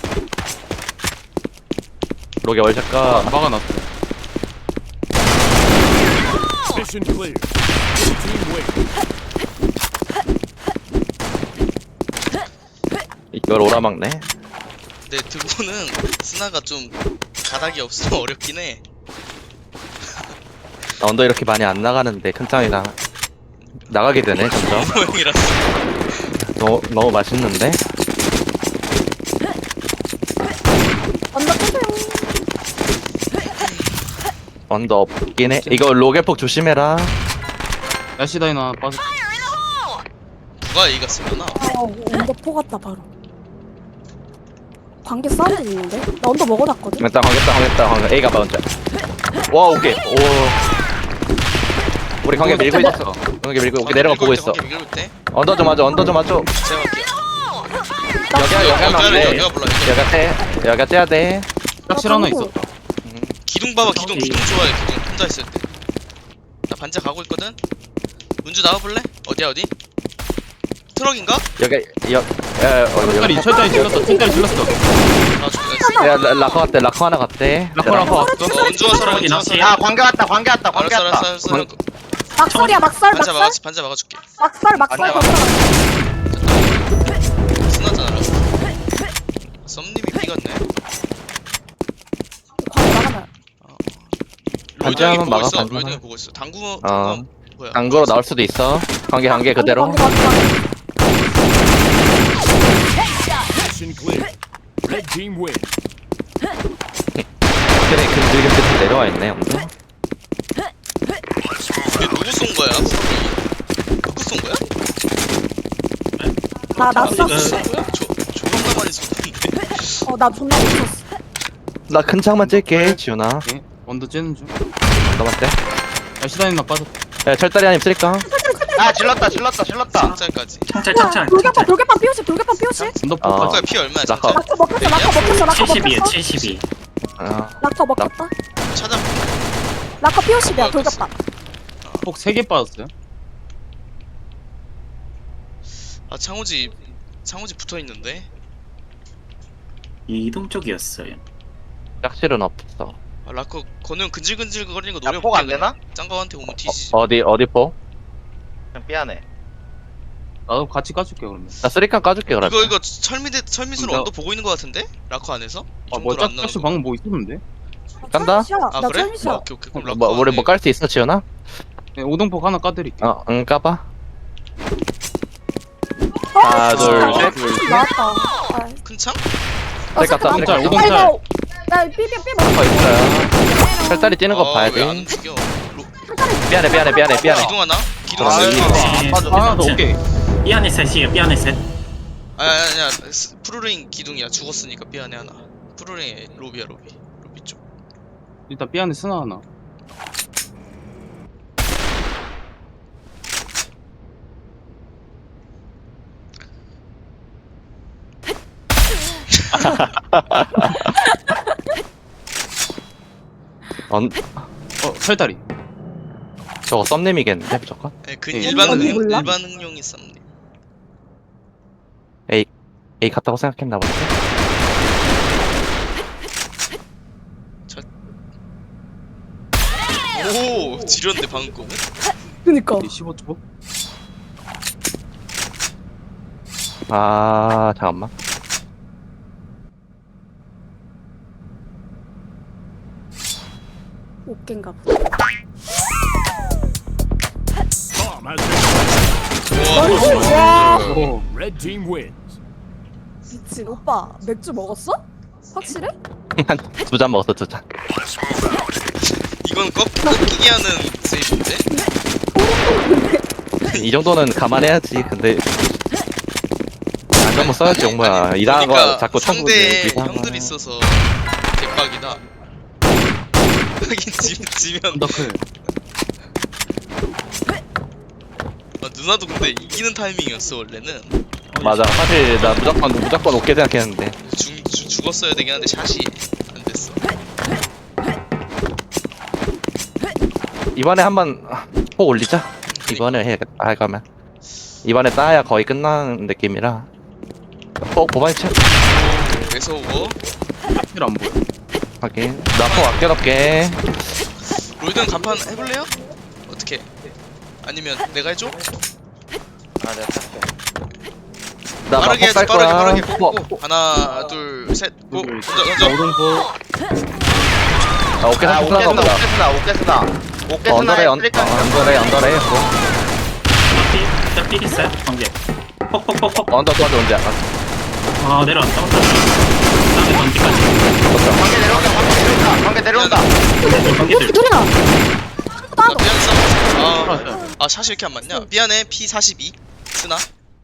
[SPEAKER 1] 로게 월샷가.
[SPEAKER 7] 막아놨어.
[SPEAKER 6] Mission clear. Blue team win.
[SPEAKER 1] 이걸 오라막네.
[SPEAKER 2] 근데 드고는 스나가 좀 가닥이 없어 어렵긴 해
[SPEAKER 1] 나 언더 이렇게 많이 안 나가는데 큰 창이랑 나가게 되네 점점.
[SPEAKER 2] 모형이라서
[SPEAKER 1] 너무 너무 맛있는데.
[SPEAKER 5] 언더 끄세요.
[SPEAKER 1] 언더 없긴 해. 이거 로게폭 조심해라.
[SPEAKER 7] 야시 다이너 하나 빠졌어.
[SPEAKER 2] 누가 A가 쓰려나?
[SPEAKER 5] 어, 언더 포 같다 바로. 관계 사운드 있는데? 나 언더 먹어놨거든?
[SPEAKER 1] 일단 관계다 관계다 관계. A 가봐 혼자. 와 오케이. 오. 우리 관계 밀고 있어. 관계 밀고 오케이 내려가 보고 있어.
[SPEAKER 2] 밀고 있대
[SPEAKER 1] 언더 좀 맞아 언더 좀 맞아.
[SPEAKER 2] 제가 갈게요
[SPEAKER 1] 여기야 여기 하면 안 돼.
[SPEAKER 2] 여기가 몰라
[SPEAKER 1] 여기가 떼. 여기가 떼야 돼.
[SPEAKER 7] 짝실 하나 있었다.
[SPEAKER 2] 기둥 봐봐 기둥 기둥 좋아해 기둥 혼자 있을 때나 반지 가고 있거든? 문주 나와볼래? 어디야 어디? 트럭인가?
[SPEAKER 1] 여기 여. 야 어,
[SPEAKER 7] 철다리
[SPEAKER 1] 여기.
[SPEAKER 7] 철다리 질렀어. 철다리 질렀어.
[SPEAKER 2] 나와줄게 나이스
[SPEAKER 1] 야 라- 라커 갔대 라커 하나 갔대.
[SPEAKER 7] 라커 라커 왔어.
[SPEAKER 2] 어 은주와 서라
[SPEAKER 4] 어디
[SPEAKER 2] 은주와
[SPEAKER 4] 낚시?
[SPEAKER 2] 서라
[SPEAKER 3] 야 관계 왔다 관계 왔다 관계
[SPEAKER 2] 알았어
[SPEAKER 3] 왔다.
[SPEAKER 2] 알았어 알았어
[SPEAKER 5] 막설이야 막설
[SPEAKER 2] 반자
[SPEAKER 5] 막설?
[SPEAKER 2] 막아줄게 반자 막아줄게
[SPEAKER 5] 막설 막설
[SPEAKER 3] 아니야.
[SPEAKER 5] 막설.
[SPEAKER 2] 스나잖아 라고 썸님이 삐갔네
[SPEAKER 5] 관계 나가면.
[SPEAKER 1] 반지
[SPEAKER 2] 로이드 형이
[SPEAKER 1] 하면
[SPEAKER 2] 보고
[SPEAKER 1] 막아,
[SPEAKER 2] 있어
[SPEAKER 1] 반지
[SPEAKER 2] 로이드 형이
[SPEAKER 1] 하나.
[SPEAKER 2] 보고 있어 당구
[SPEAKER 1] 어.
[SPEAKER 2] 당구 뭐야
[SPEAKER 1] 당구로 나올 수도 있어. 관계 관계 그대로.
[SPEAKER 5] 관계, 관계, 관계.
[SPEAKER 6] Mission clear. Red team win.
[SPEAKER 1] 그래 근질근질 내려와 있네 언더.
[SPEAKER 2] 이게 누구 쏜 거야? 누구 쏜 거야?
[SPEAKER 5] 나, 나
[SPEAKER 4] 아,
[SPEAKER 5] 쐈어.
[SPEAKER 2] 뭐야? 저 조만간 많이 쏜는데
[SPEAKER 5] 어, 나 존나 미쳤어.
[SPEAKER 1] 나 큰 창만 찔게 지훈아.
[SPEAKER 7] 오케이. 원더 째는 중.
[SPEAKER 1] 너만 떼.
[SPEAKER 7] 야시 다이너 빠졌다.
[SPEAKER 1] 야 철다리 하나 쓸까?
[SPEAKER 3] 아 질렀다 질렀다 질렀다.
[SPEAKER 2] 상자까지
[SPEAKER 4] 창찰
[SPEAKER 5] 야,
[SPEAKER 4] 창찰
[SPEAKER 5] 돌격반,
[SPEAKER 4] 창찰.
[SPEAKER 5] 돌격반 삐오십, 돌격반 삐오십.
[SPEAKER 7] 언더
[SPEAKER 1] 어.
[SPEAKER 7] 포.
[SPEAKER 2] 아까 피 얼마야
[SPEAKER 1] 라커.
[SPEAKER 2] 상자?
[SPEAKER 5] 락커 먹혔어, 락커 먹혔어, 락커
[SPEAKER 4] 칠십이에
[SPEAKER 5] 먹혔어.
[SPEAKER 4] 칠십이.
[SPEAKER 1] 어.
[SPEAKER 5] 락커 먹혔다.
[SPEAKER 2] 찾아
[SPEAKER 5] 락커 삐오십이야, 돌격반.
[SPEAKER 7] 폭 세 개 빠졌어요.
[SPEAKER 2] 아 창호지 창호지 붙어있는데
[SPEAKER 4] 이동 쪽이었어요.
[SPEAKER 1] 짝실은 없어.
[SPEAKER 2] 아 라커 건우 근질근질 거리는 거
[SPEAKER 3] 야
[SPEAKER 2] 노려
[SPEAKER 3] 폭 안 되나?
[SPEAKER 2] 짱가한테 오면 뒤지지
[SPEAKER 1] 어, 어디 어디 포?
[SPEAKER 3] 그냥 삐안해.
[SPEAKER 7] 나도 같이 까줄게 그러면.
[SPEAKER 1] 나 쓰리칸 까줄게 그러면.
[SPEAKER 2] 이거 이거 철미대 철미수로
[SPEAKER 7] 이거-
[SPEAKER 2] 언더 보고 있는 거 같은데? 라커 안에서? 이
[SPEAKER 7] 아뭐
[SPEAKER 2] 정도로 안 나오는
[SPEAKER 7] 짝실
[SPEAKER 2] 거.
[SPEAKER 7] 방금 뭐 있었는데?
[SPEAKER 1] 간다?
[SPEAKER 5] 철미시야.
[SPEAKER 2] 아
[SPEAKER 5] 나
[SPEAKER 2] 그래?
[SPEAKER 5] 철미시야.
[SPEAKER 2] 아, 오케이 오케이 그럼 라커
[SPEAKER 1] 뭐 우리
[SPEAKER 2] 안에
[SPEAKER 1] 뭐 깔 수 있어 지훈아?
[SPEAKER 7] 네, 오동폭 하나 까드릴게.
[SPEAKER 1] 어, 응 까봐.
[SPEAKER 5] 어,
[SPEAKER 1] 하나, 둘,
[SPEAKER 5] 진짜.
[SPEAKER 1] 셋.
[SPEAKER 5] 나왔다. 아,
[SPEAKER 2] 큰 창?
[SPEAKER 5] 어,
[SPEAKER 1] 셀 깠다,
[SPEAKER 5] 잠깐만.
[SPEAKER 7] 셀 깠다.
[SPEAKER 5] 야,
[SPEAKER 7] 오동짤.
[SPEAKER 5] 이거- 야, 삐, 삐, 삐 먹어.
[SPEAKER 1] 거 있어요. 철다리 뛰는 거 봐야
[SPEAKER 2] 왜안
[SPEAKER 1] 돼.
[SPEAKER 2] 움직여 로...
[SPEAKER 1] 미안해 미안해 미안해 미안해.
[SPEAKER 2] 기둥 하나? 기둥
[SPEAKER 1] 아,
[SPEAKER 2] 하나?
[SPEAKER 1] 이거.
[SPEAKER 4] 네,
[SPEAKER 3] 빠져.
[SPEAKER 7] 하나 더 오케이.
[SPEAKER 4] 삐 안에 셋이에요. 삐 안에 셋.
[SPEAKER 2] 아니 아니 아니 스- 프루링 기둥이야 죽었으니까 삐 안에 하나 프루링 로비야 로비 로비 쪽
[SPEAKER 7] 일단 삐 안에 스나 하나.
[SPEAKER 1] 언
[SPEAKER 7] 어 철다리.
[SPEAKER 1] 저거 썸님이겠는데 무조건.
[SPEAKER 2] 아니 그
[SPEAKER 7] 예.
[SPEAKER 2] 일반
[SPEAKER 5] 언니
[SPEAKER 2] 응,
[SPEAKER 5] 몰라?
[SPEAKER 2] 일반 응용이 썸님
[SPEAKER 1] A 같다고 생각했나 본데.
[SPEAKER 2] 오 지렸는데 방금 거는?
[SPEAKER 5] 그니까.
[SPEAKER 7] 십오 초.
[SPEAKER 1] 아 잠깐만.
[SPEAKER 5] 옷겐가 보다.
[SPEAKER 6] Bomb has been
[SPEAKER 2] 우와
[SPEAKER 5] 와,
[SPEAKER 7] 오.
[SPEAKER 6] Red team wins.
[SPEAKER 5] 미친. 오빠, 맥주 먹었어? 확실해?
[SPEAKER 1] 한 두 잔 먹었어 두 잔.
[SPEAKER 2] 이건 꺾, 꺾이게 하는 세이브인데?
[SPEAKER 1] 이 정도는 감안해야지. 근데 안전모 써야지
[SPEAKER 2] 아니,
[SPEAKER 1] 용모야.
[SPEAKER 2] 아니,
[SPEAKER 1] 이상한 거
[SPEAKER 2] 그러니까
[SPEAKER 1] 자꾸
[SPEAKER 2] 상대
[SPEAKER 1] 청구해.
[SPEAKER 2] 형들 있어서 개빡이다 하긴 지, 지면
[SPEAKER 7] 언더클.
[SPEAKER 2] 아, 눈 누나도 근데 이기는 타이밍이었어 원래는.
[SPEAKER 1] 맞아. 사실 나 무조건 무조건 오게 생각했는데.
[SPEAKER 2] 죽, 죽, 죽었어야 되긴 한데 샷이 안 됐어.
[SPEAKER 1] 이번에 한번 폭 올리자. 이번에 해야겠다. 할 거면. 이번에 따야 거의 끝나는 느낌이라. 폭 보반이 채.
[SPEAKER 2] 매서워.
[SPEAKER 7] 힐 안 보여.
[SPEAKER 1] 하긴. 나폭 아껴놓게.
[SPEAKER 2] 롤든 간판 해볼래요? 어떻게? 아니면 내가 해줘?
[SPEAKER 3] 아 내가 탈게.
[SPEAKER 1] 나
[SPEAKER 2] 빠르게
[SPEAKER 1] 나폭
[SPEAKER 2] 해줘
[SPEAKER 1] 쌀
[SPEAKER 2] 빠르게
[SPEAKER 1] 거야.
[SPEAKER 2] 빠르게
[SPEAKER 1] 뭐,
[SPEAKER 2] 고 하나 둘셋고
[SPEAKER 7] 둘,
[SPEAKER 2] 던져
[SPEAKER 7] 자,
[SPEAKER 2] 던져.
[SPEAKER 7] 오동포.
[SPEAKER 1] 아, 오케이
[SPEAKER 3] 아
[SPEAKER 1] 삼 끝나는
[SPEAKER 3] 오케스나
[SPEAKER 1] 거보다.
[SPEAKER 3] 오케스나 오케스나
[SPEAKER 1] 어,
[SPEAKER 3] 오케스나
[SPEAKER 1] 언더레 언, 어, 언더레 언더레 뭐.
[SPEAKER 4] 일단 삐 있어요. 관계. 폭폭폭폭.
[SPEAKER 1] 언더 또 언제 약간
[SPEAKER 4] 아 내려왔다. 다음에 관계까지.
[SPEAKER 3] 관계 내려온다 관계 내려온다 관계 내려온다.
[SPEAKER 4] 관계들.
[SPEAKER 5] 둘이나.
[SPEAKER 2] 나 미안 싸. 아, 아 샷이 왜 이렇게 안 맞냐? 미안해 피 사십이 스나.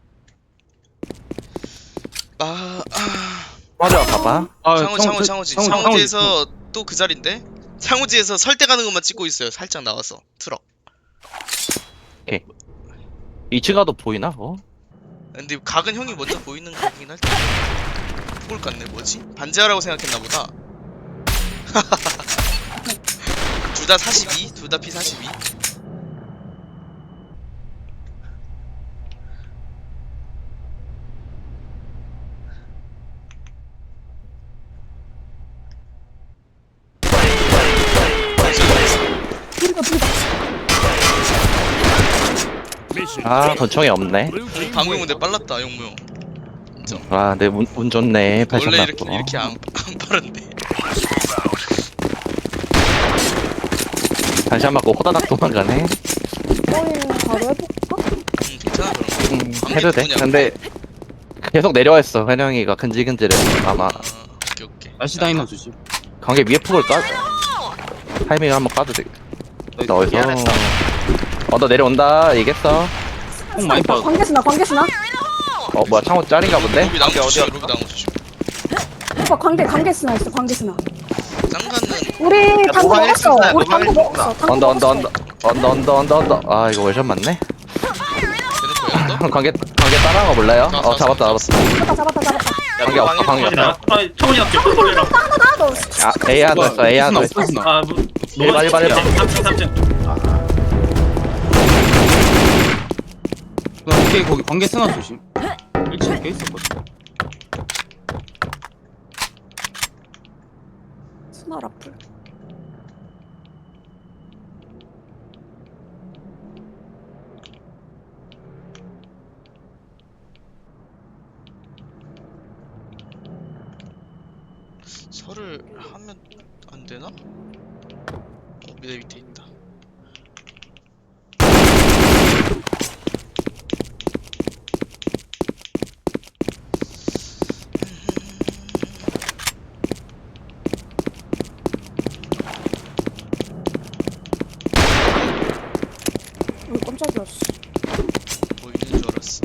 [SPEAKER 2] 아, 아
[SPEAKER 1] 맞아 봐봐.
[SPEAKER 7] 아,
[SPEAKER 2] 창호 창호 창호지
[SPEAKER 7] 창호,
[SPEAKER 2] 창호지에서 또 그 자리인데 창호지에서 설대 가는 것만 찍고 있어요. 살짝 나와서 트럭.
[SPEAKER 1] 이 층 가도 보이나 뭐?
[SPEAKER 2] 근데 각은 형이 먼저 보이는 각이긴 할 텐데. 폭을 깠네 뭐지? 반지하라고 생각했나 보다. 둘 다 사십이, 둘 다 피 사십이.
[SPEAKER 5] 둘이가 둘이다.
[SPEAKER 6] Mission
[SPEAKER 1] 아
[SPEAKER 6] failed.
[SPEAKER 1] 권총이 없네.
[SPEAKER 6] Blue team
[SPEAKER 2] 방금
[SPEAKER 6] wins.
[SPEAKER 2] 근데 빨랐다 용무 형. 인정.
[SPEAKER 1] 아, 내 운, 운 좋네. 패션
[SPEAKER 2] 원래
[SPEAKER 1] 났고.
[SPEAKER 2] 이렇게 이렇게 안, 안 빠른데.
[SPEAKER 1] 다시 한 맞고 호다닥 도망가네.
[SPEAKER 5] 거의 바로 해볼까?
[SPEAKER 2] 음, 괜찮아 그럼.
[SPEAKER 1] 음,
[SPEAKER 2] 관계
[SPEAKER 1] 해도 돼.
[SPEAKER 2] 누구냐,
[SPEAKER 1] 근데 계속 내려와 있어. 회령이가 근질근질해. 아마
[SPEAKER 2] 아, 오케이 오케이.
[SPEAKER 7] 날씨 다이너 주시.
[SPEAKER 1] 관계 위에 폭을 까. 타이밍을 한번 까도 돼. 나 어디서?
[SPEAKER 3] 미안했어.
[SPEAKER 1] 어, 너 내려온다. 이겼어.
[SPEAKER 7] 폭 많이 빠졌어.
[SPEAKER 5] 관계스나 관계스나.
[SPEAKER 1] 어, 뭐야 창호 짤인가 본데?
[SPEAKER 2] 로비 나무
[SPEAKER 3] 관계
[SPEAKER 2] 주시,
[SPEAKER 3] 어디야?
[SPEAKER 2] 로비 나무 주시.
[SPEAKER 5] 오빠 관계 관계스나 있어 관계스나.
[SPEAKER 2] 짱가는
[SPEAKER 5] 우리 당구
[SPEAKER 3] 노방일
[SPEAKER 5] 먹었어.
[SPEAKER 3] 수 있나?
[SPEAKER 5] 우리
[SPEAKER 3] 노방일
[SPEAKER 5] 당구
[SPEAKER 3] 수
[SPEAKER 5] 먹었어.
[SPEAKER 3] 있나?
[SPEAKER 5] 당구
[SPEAKER 1] 언더 언더
[SPEAKER 5] 먹었어.
[SPEAKER 1] 언더 언더 언더 언더 언더. 아, 이거 월샷 맞네.
[SPEAKER 2] 되는 거야 언더?
[SPEAKER 1] 관계 관계 따라한 거 몰라요?
[SPEAKER 2] 자,
[SPEAKER 1] 어,
[SPEAKER 2] 자,
[SPEAKER 1] 잡았다
[SPEAKER 2] 자,
[SPEAKER 1] 잡았다.
[SPEAKER 5] 잡았다 잡았다 잡았다.
[SPEAKER 1] 관계 없어 관계
[SPEAKER 4] 관계 나.
[SPEAKER 1] 없어.
[SPEAKER 4] 아 초원이 앞쪽 폴폴이라.
[SPEAKER 5] 하나 나 너.
[SPEAKER 1] 아, A 하나 있어. A 하나 있어.
[SPEAKER 7] 없어지나?
[SPEAKER 4] 아 뭐.
[SPEAKER 1] 일반, 일반, 일반.
[SPEAKER 4] 삼 층 삼 층.
[SPEAKER 7] 그냥 오케이 거기 관계 쓰나 조심. 일 층에 꽤 있었거든.
[SPEAKER 5] 스나 라플.
[SPEAKER 2] 설을 하면 안 되나? 어, 내 밑에 있다.
[SPEAKER 5] 어 깜짝이야. 씨.
[SPEAKER 2] 보이는 줄 알았어.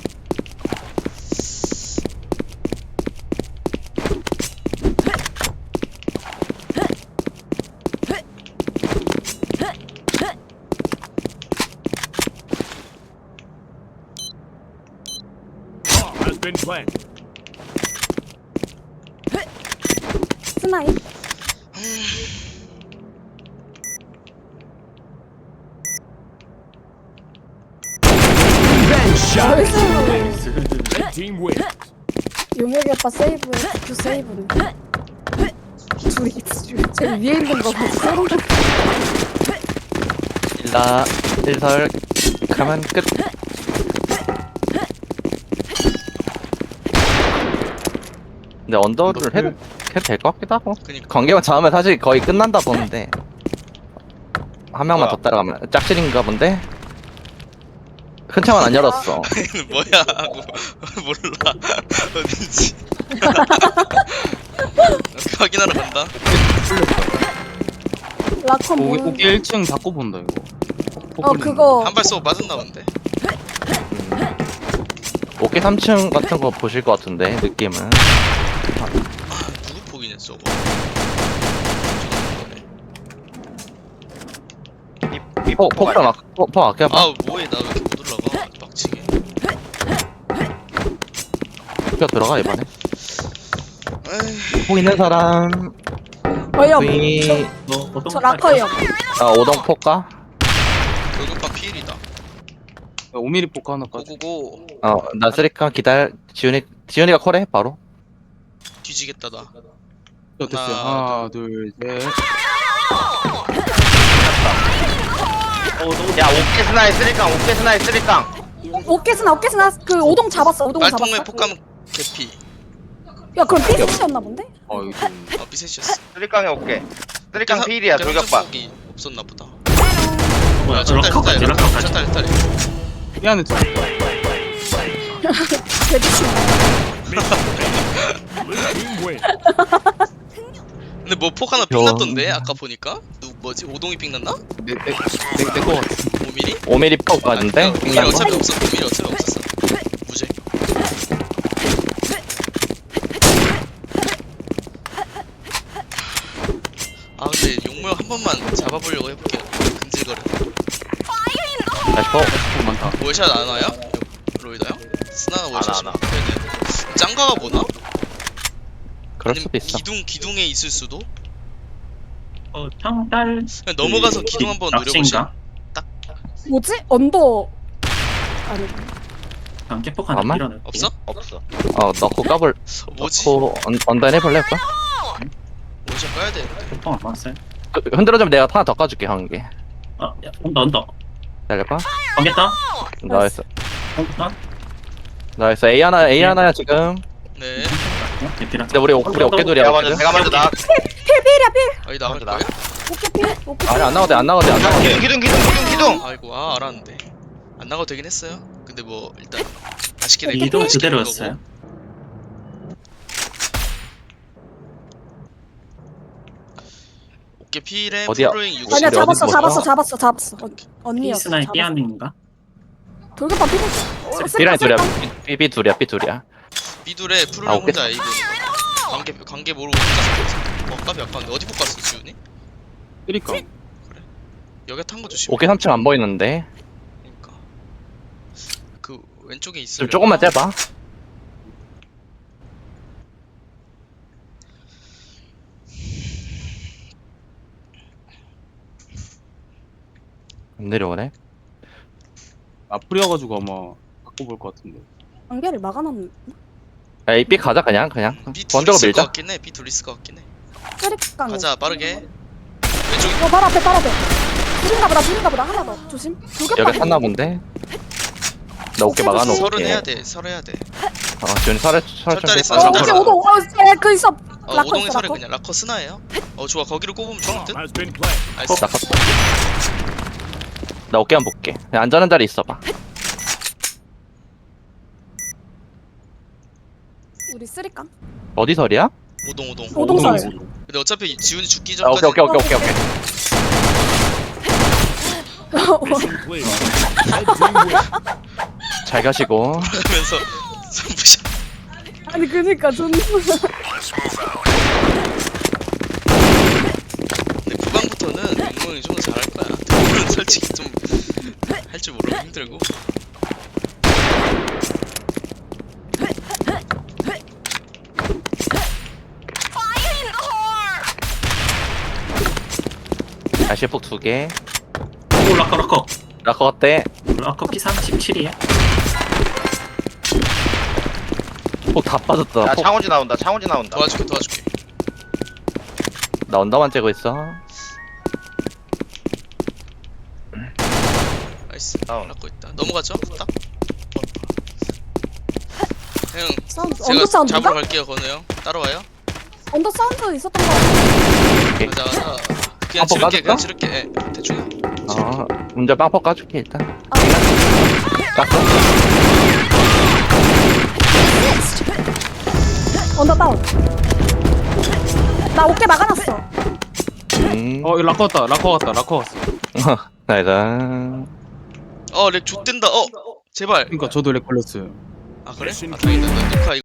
[SPEAKER 6] Bomb has been planted.
[SPEAKER 5] 스나이. 나이스.
[SPEAKER 6] Red team wins.
[SPEAKER 5] 용혁이 오빠 세이브에 그 세이브는. 둘이 제 위에 있는 거 같이 소름 돋.
[SPEAKER 1] 일라 일설 가면 끝. 근데 언더를 해도 해도 될 것 같기도 하고.
[SPEAKER 2] 그니까
[SPEAKER 1] 관계만 잡으면 사실 거의 끝난다 보는데 한 명만
[SPEAKER 3] 뭐야?
[SPEAKER 1] 더 따라가면 짝실인가 본데. 큰 창은 안 열었어.
[SPEAKER 2] 뭐야 하고 몰라 어딘지. 확인하러 간다.
[SPEAKER 5] 라커
[SPEAKER 7] 오케이
[SPEAKER 5] 뭐.
[SPEAKER 7] 오케이 일 층 닫고 본다 이거.
[SPEAKER 5] 어 그거.
[SPEAKER 2] 한 발 쏘고 맞았나 본데.
[SPEAKER 1] 오케이 삼 층 같은 거 보실 것 같은데 느낌은.
[SPEAKER 2] 누구 폭이냐 저거.
[SPEAKER 3] 이
[SPEAKER 1] 포 포크랑 막 포 아껴봐.
[SPEAKER 2] 아 뭐해 나 왜 이렇게 못 올라가 빡치게.
[SPEAKER 1] 투표 들어가 이번에.
[SPEAKER 2] 에이,
[SPEAKER 1] 폭 있는 사람.
[SPEAKER 5] 어이없.
[SPEAKER 1] V
[SPEAKER 4] 너 어떤
[SPEAKER 5] 저 라커예요.
[SPEAKER 1] 아 오동 폭가.
[SPEAKER 2] 돌격반 피일이다.
[SPEAKER 7] 오 밀리미터 포크 하나까지.
[SPEAKER 2] 고고고.
[SPEAKER 1] 어나 쓰리카 기다려. 지훈이 지훈이가 콜해 바로.
[SPEAKER 2] 뒤지겠다 나.
[SPEAKER 7] 어, 됐어요.
[SPEAKER 2] 하나,
[SPEAKER 7] 하나, 둘, 셋.
[SPEAKER 3] 야 오케 스나이 쓰리깡 오케 스나이 쓰리깡.
[SPEAKER 5] 오케스나 오케스나 그 오동 잡았어. 오동
[SPEAKER 2] 빨통에
[SPEAKER 5] 잡았어.
[SPEAKER 2] 폭감 개피.
[SPEAKER 5] 야 그럼 삐스였나 본데?
[SPEAKER 7] 어 이거 좀.
[SPEAKER 2] 아 비셋이었어.
[SPEAKER 3] 쓰리깡에 오케. 쓰리깡 필이야 돌격반.
[SPEAKER 2] 이 없었나 보다.
[SPEAKER 4] 뭐야?
[SPEAKER 2] 저
[SPEAKER 4] 락커까지 락커까지.
[SPEAKER 2] 쳤다 했다.
[SPEAKER 7] 미안해 좀.
[SPEAKER 5] 개미친.
[SPEAKER 6] Blue team win.
[SPEAKER 2] 근데 뭐 폭 하나
[SPEAKER 1] 여-
[SPEAKER 2] 삥났던데 아까 보니까 누 뭐지 오동이 삥났나?
[SPEAKER 7] 내내내내거 같아.
[SPEAKER 2] 오 미리?
[SPEAKER 1] 오 밀리미터 폭 가는데.
[SPEAKER 2] 오 미리 어차피 없었어. 오 미리 어차피 없었어. 무죄. 아 근데 용모형 한 번만 잡아보려고 해볼게요. 근질거려.
[SPEAKER 1] 다시 폭.
[SPEAKER 7] 어, 많다.
[SPEAKER 2] 월샷 안 와요? 로이다 형? 스나 월샷이
[SPEAKER 3] 안 와.
[SPEAKER 2] 되네. 짱가가 보나?
[SPEAKER 1] 그럴
[SPEAKER 2] 아니면
[SPEAKER 1] 수도 있어.
[SPEAKER 2] 기둥 기둥에 있을 수도?
[SPEAKER 4] 어 평달.
[SPEAKER 2] 그냥 넘어가서 기둥 한번 노려보시.
[SPEAKER 4] 락신가?
[SPEAKER 5] 뭐지? 언더. 아니.
[SPEAKER 4] 강제폭 하나
[SPEAKER 1] 아마?
[SPEAKER 4] 밀어넣을게.
[SPEAKER 2] 없어?
[SPEAKER 3] 없어.
[SPEAKER 1] 어 넣고 까볼.
[SPEAKER 2] 어, 뭐지?
[SPEAKER 1] 넣고 언 언더 해볼래 오빠?
[SPEAKER 2] 월샷 까야 되는데.
[SPEAKER 4] 폭안 맞았어요.
[SPEAKER 1] 그, 흔들어주면 내가 하나 더 까줄게 한 개.
[SPEAKER 4] 어, 야, 온다 온다.
[SPEAKER 1] 기다려봐.
[SPEAKER 4] 관계다.
[SPEAKER 1] 나이스.
[SPEAKER 4] 온다.
[SPEAKER 1] 나이스. A 하나 A 하나야 지금.
[SPEAKER 2] 네.
[SPEAKER 4] 어, 대피라.
[SPEAKER 1] 근데 우리 어- 우리 어깨돌이야.
[SPEAKER 3] 내가 먼저 내가 먼저 나.
[SPEAKER 5] 필필이야 필.
[SPEAKER 2] 아니 나갈
[SPEAKER 3] 먼저 나.
[SPEAKER 2] 거예요?
[SPEAKER 5] 오케 필. 오케 필.
[SPEAKER 1] 아니 안 나가도 돼, 안 나가도 돼, 안 나가도 돼.
[SPEAKER 3] 기둥 기둥 기둥 기둥 기둥.
[SPEAKER 2] 아이고 아 알았는데 안 나가도 되긴 했어요. 근데 뭐 일단 아쉽게 된
[SPEAKER 4] 이동
[SPEAKER 2] 아쉽게 된
[SPEAKER 4] 그대로였어요.
[SPEAKER 2] 거고. 어깨 필에
[SPEAKER 1] 어디야?
[SPEAKER 2] 프로잉 육십.
[SPEAKER 5] 아니야
[SPEAKER 1] 어디
[SPEAKER 5] 잡았어
[SPEAKER 1] 어디
[SPEAKER 5] 잡았어
[SPEAKER 1] 뭐야?
[SPEAKER 5] 잡았어 잡았어. 언- 언니였어.
[SPEAKER 4] 피스나이
[SPEAKER 5] 잡았어.
[SPEAKER 4] 삐아닌가?
[SPEAKER 5] 돌격반 필이지.
[SPEAKER 1] B라인 둘이야. B, B 둘이야, B 둘이야.
[SPEAKER 2] 비둘에 프로잉
[SPEAKER 1] 아, 어깨-
[SPEAKER 2] 혼자 이분 관계 관계 모르고 혼자 어 깝이 아까운데 어디 뽑았어 지훈이?
[SPEAKER 7] 쓰리깡.
[SPEAKER 2] 여기 탄 거 조심.
[SPEAKER 1] 어깨 삼 층 안 보이는데.
[SPEAKER 2] 그러니까 그 왼쪽에
[SPEAKER 1] 좀
[SPEAKER 2] 있으면
[SPEAKER 1] 조금만 째봐. 안 내려오네.
[SPEAKER 7] 앞풀이어가지고 아마 바꿔볼 것 같은데.
[SPEAKER 5] 관계를 막아놨는.
[SPEAKER 1] 야, 이 B 가자 그냥 그냥.
[SPEAKER 2] B 둘
[SPEAKER 1] 번쩍으로
[SPEAKER 2] 있을 것
[SPEAKER 1] 밀자.
[SPEAKER 2] 같긴 해. B 둘 있을 것 같긴 해.
[SPEAKER 5] 쓰리깡.
[SPEAKER 2] 가자 빠르게. 왼쪽
[SPEAKER 5] 어, 발 앞에, 발 앞에. 둘인가 보다, 둘인가 보다. 하나 더. 조심. 돌격반.
[SPEAKER 1] 여기 탔나 본데. 나 어깨
[SPEAKER 5] 어깨
[SPEAKER 1] 막아놓을게.
[SPEAKER 2] 설은 해야 돼. 설 해야 돼.
[SPEAKER 1] 어, 지훈이 설에 설
[SPEAKER 2] 설자리
[SPEAKER 1] 좀
[SPEAKER 2] 써,
[SPEAKER 5] 어,
[SPEAKER 1] 빼봐.
[SPEAKER 2] 설자리.
[SPEAKER 5] 오케이, 오동. 어, 예, 그 있어.
[SPEAKER 2] 어
[SPEAKER 5] 라커
[SPEAKER 2] 오동의
[SPEAKER 5] 있어,
[SPEAKER 2] 설에
[SPEAKER 5] 라커.
[SPEAKER 2] 그냥 라커 스나예요. 어 좋아 거기를 꼽으면 좋을 듯.
[SPEAKER 6] Bomb has been planted.
[SPEAKER 2] 나이스.
[SPEAKER 1] 나 갔어. 나 어깨 한번 볼게. 그냥 안전한 자리 있어봐.
[SPEAKER 5] 우리 쓰리깡.
[SPEAKER 1] 어디 설이야?
[SPEAKER 2] 오동 오동.
[SPEAKER 5] 오동설.
[SPEAKER 2] 근데 어차피 지훈이 죽기
[SPEAKER 1] 아,
[SPEAKER 2] 전까지
[SPEAKER 1] 오케이 오케이 오케이 오케이 오케이.
[SPEAKER 6] Mission clear. Red team win.
[SPEAKER 1] 잘 가시고.
[SPEAKER 2] 하면서 선부샷.
[SPEAKER 5] 아니, 그니까, 존나.
[SPEAKER 2] 근데 후반부터는 용몽이 좀 더 잘할 거야. 대부분 솔직히 좀 할 줄 모르고 힘들고.
[SPEAKER 1] 다시 폭 두 개.
[SPEAKER 4] 오 락커 락커.
[SPEAKER 1] 라커 어때?
[SPEAKER 4] 락커 피 삼십칠이야.
[SPEAKER 1] 폭 다 빠졌다.
[SPEAKER 3] 야
[SPEAKER 1] 폭
[SPEAKER 3] 창호지 나온다. 창호지 나온다.
[SPEAKER 2] 도와줄게 도와줄게.
[SPEAKER 1] 나 언더만 째고 있어.
[SPEAKER 2] 나이스.
[SPEAKER 3] 다운.
[SPEAKER 2] 라고 있다. 넘어가죠? 딱. 형
[SPEAKER 5] 사운드,
[SPEAKER 2] 제가
[SPEAKER 5] 언더 사운드인가?
[SPEAKER 2] 잡으러 갈게요 건우 형. 따라와요.
[SPEAKER 5] 언더 사운드 있었던 거 같아.
[SPEAKER 2] 가자 가자. 그냥
[SPEAKER 1] 한번
[SPEAKER 2] 지를게
[SPEAKER 1] 까줄까?
[SPEAKER 2] 그냥 지를게. 예, 대충 해.
[SPEAKER 1] 어, 운전 빵퍼 까줄게 일단.
[SPEAKER 5] 아.
[SPEAKER 1] 깠어.
[SPEAKER 5] 언더 다운. 나 어깨 막아놨어.
[SPEAKER 1] 음.
[SPEAKER 7] 어, 이거 락커 왔다. 락커 왔다. 락커 왔어.
[SPEAKER 1] 나이다.
[SPEAKER 2] 어렉 좆된다. 어 제발.
[SPEAKER 7] 그러니까 저도 렉 걸렸어요.
[SPEAKER 2] 아 그래? 아 다행이다. 나 녹화